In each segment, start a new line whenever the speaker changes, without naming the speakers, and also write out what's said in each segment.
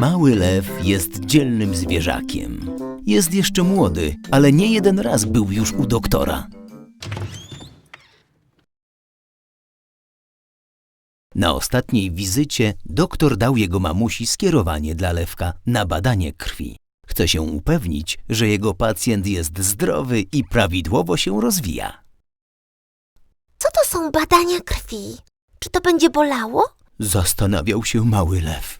Mały lew jest dzielnym zwierzakiem. Jest jeszcze młody, ale nie jeden raz był już u doktora. Na ostatniej wizycie doktor dał jego mamusi skierowanie dla lewka na badanie krwi. Chce się upewnić, że jego pacjent jest zdrowy i prawidłowo się rozwija.
Co to są badania krwi? Czy to będzie bolało?
Zastanawiał się mały lew.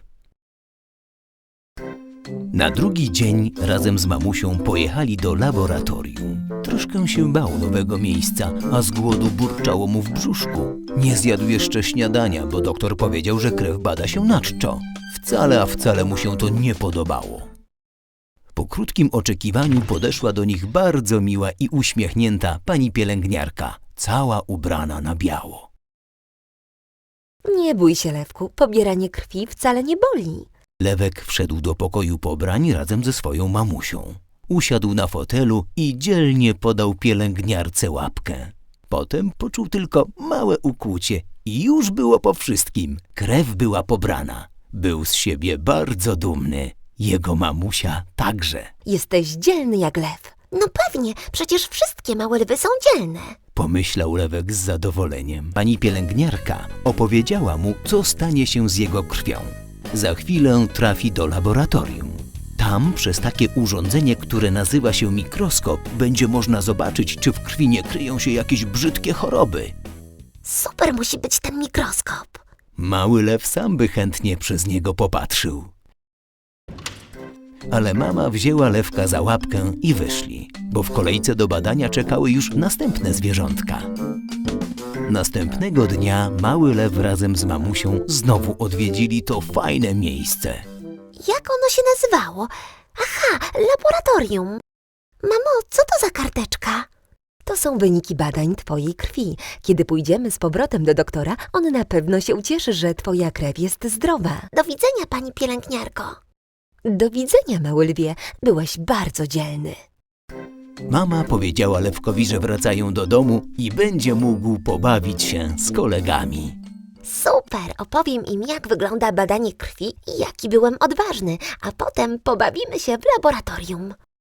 Na drugi dzień razem z mamusią pojechali do laboratorium. Troszkę się bał nowego miejsca, a z głodu burczało mu w brzuszku. Nie zjadł jeszcze śniadania, bo doktor powiedział, że krew bada się na czczo. Wcale mu się to nie podobało. Po krótkim oczekiwaniu podeszła do nich bardzo miła i uśmiechnięta pani pielęgniarka, cała ubrana na biało.
Nie bój się, Lewku, pobieranie krwi wcale nie boli.
Lewek wszedł do pokoju pobrań razem ze swoją mamusią. Usiadł na fotelu i dzielnie podał pielęgniarce łapkę. Potem poczuł tylko małe ukłucie i już było po wszystkim. Krew była pobrana. Był z siebie bardzo dumny. Jego mamusia także.
Jesteś dzielny jak lew. No pewnie, przecież wszystkie małe lwy są dzielne.
Pomyślał Lewek z zadowoleniem. Pani pielęgniarka opowiedziała mu, co stanie się z jego krwią. Za chwilę trafi do laboratorium. Tam przez takie urządzenie, które nazywa się mikroskop, będzie można zobaczyć, czy w krwi nie kryją się jakieś brzydkie choroby.
Super musi być ten mikroskop.
Mały lew sam by chętnie przez niego popatrzył. Ale mama wzięła lewka za łapkę i wyszli, bo w kolejce do badania czekały już następne zwierzątka. Następnego dnia mały lew razem z mamusią znowu odwiedzili to fajne miejsce.
Jak ono się nazywało? Aha, laboratorium. Mamo, co to za karteczka? To są wyniki badań twojej krwi. Kiedy pójdziemy z powrotem do doktora, on na pewno się ucieszy, że twoja krew jest zdrowa. Do widzenia, pani pielęgniarko. Do widzenia, mały lwie. Byłeś bardzo dzielny.
Mama powiedziała lewkowi, że wracają do domu i będzie mógł pobawić się z kolegami.
Super, opowiem im, jak wygląda badanie krwi i jaki byłem odważny, a potem pobawimy się w laboratorium.